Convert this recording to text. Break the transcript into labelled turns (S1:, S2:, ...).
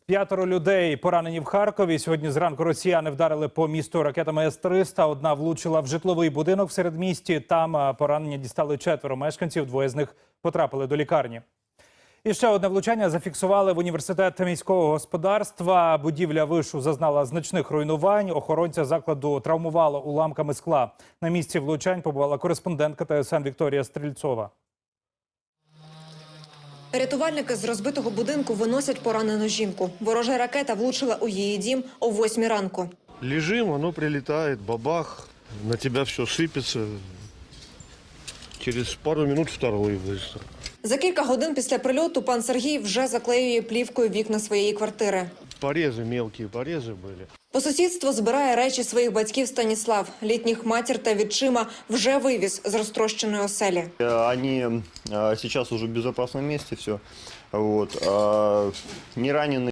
S1: 5 людей поранені в Харкові. Сьогодні зранку росіяни вдарили по місту ракетами С-300. Одна влучила в житловий будинок в середмісті. Там поранення дістали 4 мешканців, 2 з них потрапили до лікарні. І ще одне влучання зафіксували в університет міського господарства. Будівля вишу зазнала значних руйнувань. Охоронця закладу травмувало уламками скла. На місці влучань побувала кореспондентка ТСН Вікторія Стрільцова.
S2: Рятувальники з розбитого будинку виносять поранену жінку. Ворожа ракета влучила у її дім о 8 ранку.
S3: Лежим, оно прилетает, бабах, на тебя все сыпется. Через пару минут второй выстрел.
S2: За кілька годин після прильоту пан Сергій вже заклеює плівкою вікна своєї квартири.
S3: Порезы, мелкие порезы были.
S2: По сусідству збирає речі своїх батьків Станіслав. Літніх матір та відчима вже вивіз з розтрощеної оселі.
S4: Они сейчас уже в безопасном месте, все. Вот. Не ранены.